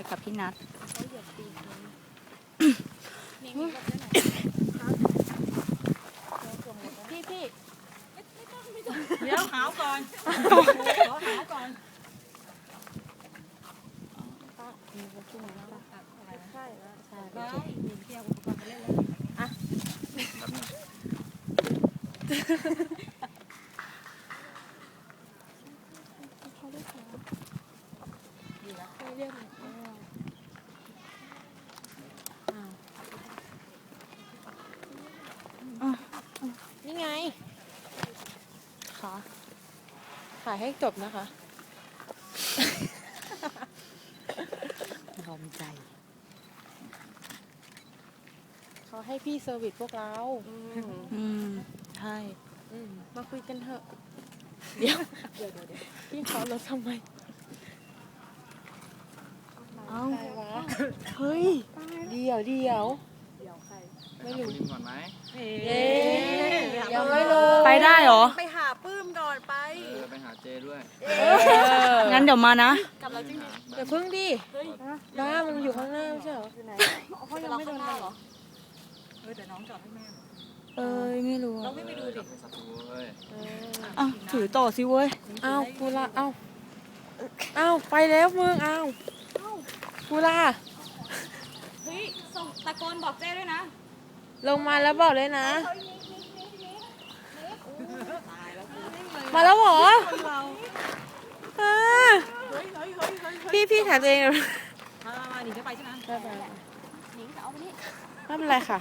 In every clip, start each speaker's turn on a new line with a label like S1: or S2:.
S1: กับพี่นัทพี่
S2: เดี๋ยวหาวก่อนขอหาวก่อนได้เที่ยวอุปกรณ์ไปเล่นแล้วอ่ะ
S3: นี่ไง
S1: ค่ะ
S3: ถ่ายให้จบนะคะ
S1: ยอมใจ
S3: เขาให้พี่เซอร์วิสพวกเรา
S1: ใช่
S3: มาคุยกันเถอะ เดี๋ยวพี่ขอรถทำไม
S1: เอ้า
S3: ใครวะ
S1: เฮ้ย
S3: เดี๋ยวไม่รู้
S4: คุณก่อนไหม
S3: เย้ยังไม่ลง
S1: ไปได้เหรอ
S2: ไปหาปื้มก่อนไป
S4: ไปหาเจด้วย
S1: งั้นเดี๋ยวมานะ
S2: กลับแล้วจริง
S3: เดี๋ยวพึ่งดิบ้ามันอยู่ข้างหน้าไม่ใช่เหรอ
S2: เขายังไม่โดนเหรอเดี๋ยวน้องจอดให้แม่
S1: ไม่รู้
S2: เราไม่ไปดูดิ
S4: ไปสักตัวเว้ย
S1: อ่ะถือต่อสิเว้ย
S3: อ้าวกูละอ้าวไปแล้วมึงอ้าวกูละ
S2: เฮ้ยส่งตะโกนบอกเจ้ด้วยนะ
S3: ลงมาแล้วบอกเลยนะ มาแล้วเหรอพี่ถ่ายตัวเองเลย
S2: มาหนีจะไปใช่ไหม หนีจะเอาไปนี่
S3: ไม่เป็นไรค่ะ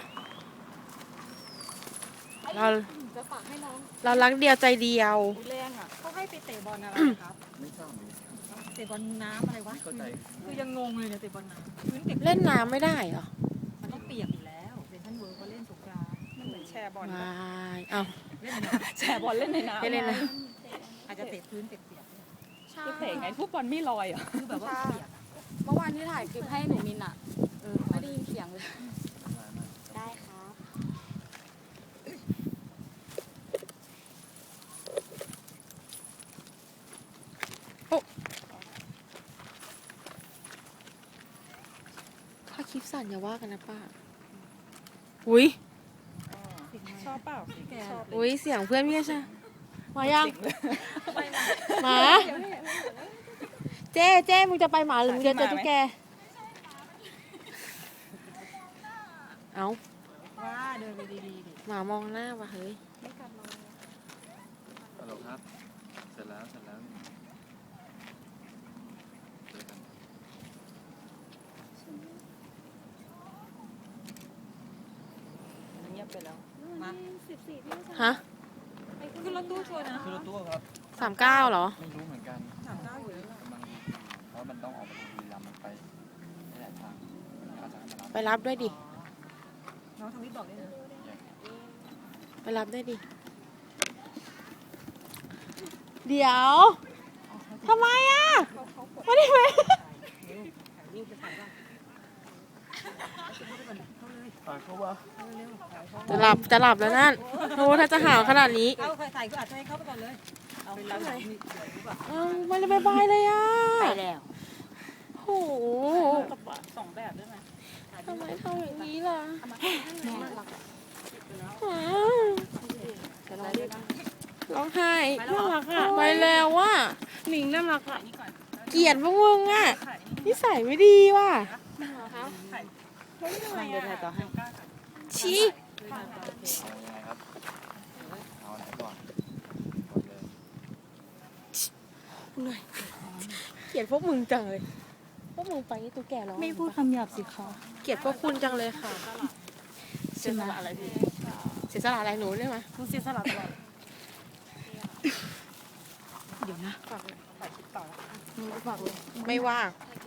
S3: เรา
S2: จะฝากให้น้อง
S3: เรารักเดียวใจเดียว
S2: แรงอ่ะเขาให้ไปเตะบอลอะไรครับ
S4: ไม่ทราบ
S2: เตะบอลน้ำอะไรวะ
S4: ไม่เข้าใจ
S2: คือยังงงเลยเนี่ยเตะบอลน้ำพื้นเด็ก
S3: เล่นน้ำไม่ได้เหรอ
S2: มันต้องเปียกอยู่แล้วเซนทรัลเวิร์ก็เล่นสงกรานต์มันเหมือนแชร์บอล
S3: ไม่เอา
S2: เล่นแชร์บอลเล่นในน้ำ
S3: เล่นนะ
S2: อาจจะเตะพื้นเปียก
S5: คือเตะไงทุกบอลไม่ลอยอ่ะ
S2: ๆคือแบบว่าเปียก
S5: เมื่อวานที่ถ่ายคลิปให้หนูมินอ่ะไม่ได้ยินเสียงเลย
S1: ได้ครับ
S3: ถ้าคลิปสั่นอย่าว่ากันนะป้า อุ้ย
S2: ชอบเปล่าแก
S3: อุ้ยเสียงเพื่อนพี่ใช่มายังหมาเจ๊มึงจะไปหมาหรือมึงจะเจอตุ๊กแก เอา
S2: ว่าเดินไปดีๆดิ
S3: หมามองหน้าว่ะเฮ้ย
S4: ฮัลโหลครับ เสร็จแล้วเจอกัน
S2: เงียบไปแล้วมา
S3: ฮะ
S2: ขึ้นรถตู้ชัวร์นะ
S4: คือรถตู้ครับ
S3: 39เหรอ
S4: ไม่รู้เหมือนกัน
S2: 39อยู่แล้ว
S4: กำลังเพราะมันต้องออกไปทางบุรีรัมย์มันไปไม่หลายทางอาจจะให้มารับ
S3: ไปรับด้วยดิ
S2: น้องทวิตบอกได้เลย
S3: ไปรับด้วยดิ เดี๋ยวทำไมอ่ะไม่ได้ไหม
S2: รูปจะถ่ายบ้าง
S4: ฝากเขาว่า
S3: จะหลับแล้วนั่นโอ้ถ้าจะหาวขนาดนี้
S2: เอาใส่ก็อาจจะให้เข้าไปก่อนเลยเอาไปแล้วมีเดี๋ยวรู้ป่ะ
S3: ไม่ได้บายเลยอ่ะ
S1: ไปแล้ว
S3: โห
S2: สองแบบได้ไหม
S3: ทำไมทำอย่างนี้ล่ะ
S1: แม่รัก
S3: อ้าวร้องไห้น่ารักอ่ะไปแล้วว่ะหนิงน่ารักอ่ะเกลียดพวกมึงอ่ะนิสัยไม่ดีว่ะ
S1: นั่งเดินไปต่อให้
S3: ชี้
S4: เอายังไงครับ เอาไหนก่อนกดเลย
S3: เหนื่อยเกลียดพวกมึงจังเลย พวกมึงไปนี่ตุ๊กแกร้อง
S1: ไม่พูดคำหยาบสิคะ
S3: เกลียดพวกคุณจังเลยค่ะ
S1: ใช่ไหม
S3: เสียสละอะไรหนูได้ไหม
S2: คุณเสียสละตลอด
S1: เดี๋ยวนะ
S2: ถ่ายคลิปต่อ
S1: มึงก็ฝากเลย
S3: ไม่ว่าง